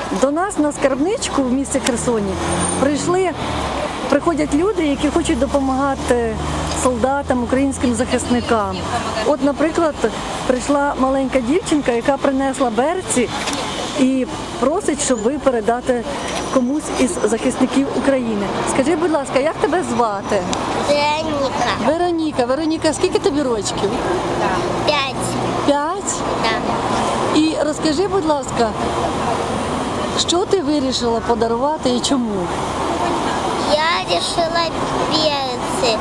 До нас на скарбничку в місті Херсоні приходять люди, які хочуть допомагати солдатам, українським захисникам. От, наприклад, прийшла маленька дівчинка, яка принесла берці і просить, щоб ви передати комусь із захисників України. Скажи, будь ласка, як тебе звати? Вероніка. Вероніка, скільки тобі рочків? 5. 5? Да. І розкажи, будь ласка, що ти вирішила подарувати і чому? Я решила перцы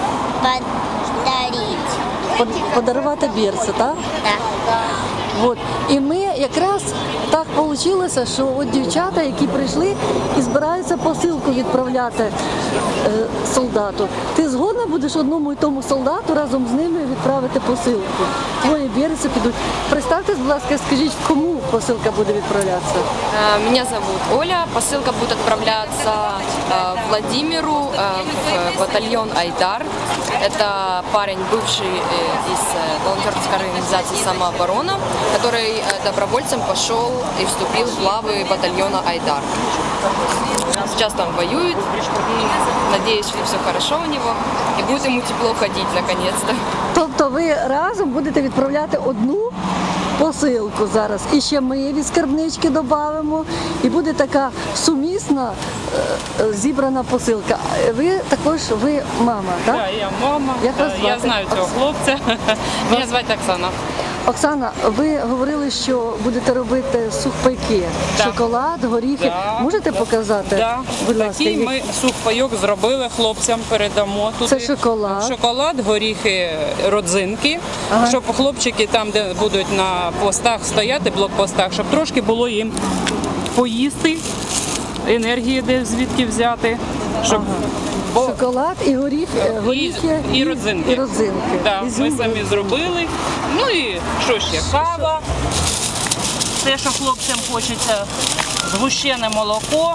подарить. Подарувати берці, так? Да. От. І ми якраз так вийшло, що от дівчата, які прийшли і збираються посилку відправляти солдату. Ти згодна будеш одному і тому солдату разом з ними відправити посилку? Твої берці підуть. Представтесь, будь ласка, скажіть, кому посилка буде відправлятися? Меня зовут Оля. Посылка будет отправляться Владимиру в батальон «Айдар». Это парень, бывший из волонтерской организации «Самооборона», который добровольцем пошел и вступил в главы батальона «Айдар». Сейчас там воюет. Надеюсь, что все хорошо у него и будет ему тепло ходить наконец-то. Тобто ви разом будете відправляти одну посилку зараз. І ще ми від скарбнички додамо. І буде така сумісна зібрана посилка. Ви також, ви мама, так? Так, я мама. Як вас звати? Я знаю цього хлопця. Мене звати Оксана. Оксана, ви говорили, що будете робити сухпайки. Так. Шоколад, горіхи. Да. Можете показати? Да. Будь ласка, Такий ми сухпайок зробили, хлопцям передамо туди. Це шоколад. Шоколад, горіхи, родзинки, Ага. щоб хлопчики там, де будуть на постах стояти, блокпостах, щоб трошки було їм поїсти, енергії де звідки взяти, щоб Шоколад і горіхи і родзинки. І родзинки. Да, ми Ізюм. самі зробили. Ну і що ще? Кава. Те, що хлопцям хочеться, згущене молоко,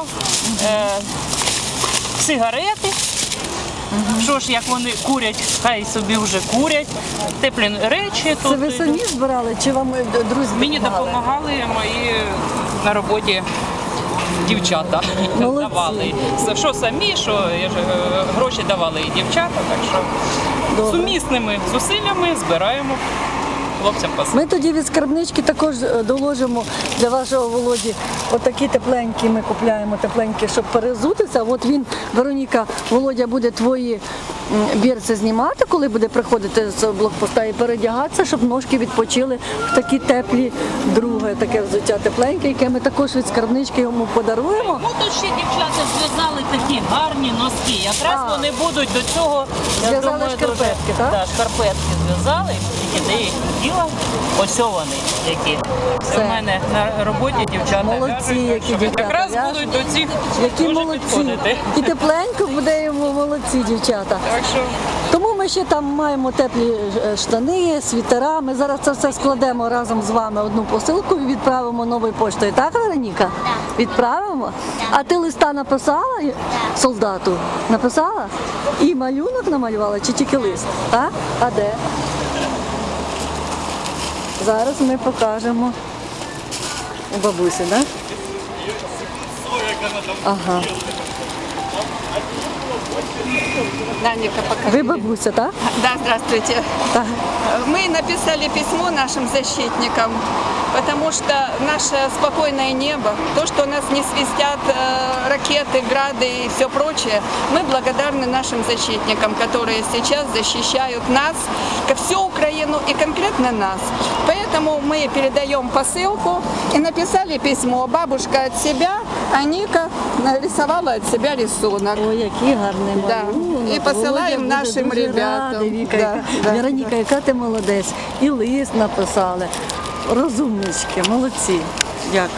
сигарети. Що ж, як вони курять, хай собі вже курять. Теплі речі. Це ви самі збирали чи вам друзі Мені допомагали? допомагали мої на роботі дівчата. Молодці. Давали. Що самі, що я ж, гроші давали і дівчата, так що Добре. сумісними зусиллями збираємо хлопцям посилки. Ми тоді від скарбнички також доложимо для вашого Володі отакі тепленькі, ми купляємо тепленькі, щоб перезутися. От він, Вероніка, Володя буде твої берці знімати, коли буде приходити з блокпоста і передягатися, щоб ножки відпочили в такі теплі, друге таке взуття тепленьке, яке ми також від скарбнички йому подаруємо. Ну тут ще дівчата зв'язали такі гарні носки. Якраз А. вони будуть до цього. я Зв'язали думаю, шкарпетки, дуже- так? Да, шкарпетки зв'язали, тільки де їх хотіла. Ось вони які. Все. Це в мене на роботі дівчата Молодці, в'яжуть, які що дівчата якраз в'яжуть. будуть до цих Які дуже молодці. підходити. І тепленько буде йому, молодці дівчата. Так що Тому ми ще там маємо теплі штани, світера. Ми зараз це все складемо разом з вами одну посилку і відправимо новою поштою. Так, Вероніка? Відправимо? А ти листа написала солдату? Написала? І малюнок намалювала чи тільки лист? Так? А де? Зараз ми покажемо у бабусі, так? Ага. Даника, пока. Ви бабуся, так? Да, здравствуйте. Так. Мы написали письмо нашим защитникам, потому что наше спокойное небо, то, что у нас не свистят ракеты, грады и все прочее, мы благодарны нашим защитникам, которые сейчас защищают нас, всю Украину и конкретно нас. Поэтому мы передаем посылку и написали письмо. Бабушка от себя, а Ника нарисовала от себя рисунок. Ой, який гарний Да. малюнок. І посилаємо Володя буде нашим дуже ребятам. радий, Віка, Да, да. Вероніка, яка ти молодець. І лист написали. Розумнички, молодці. Дякую.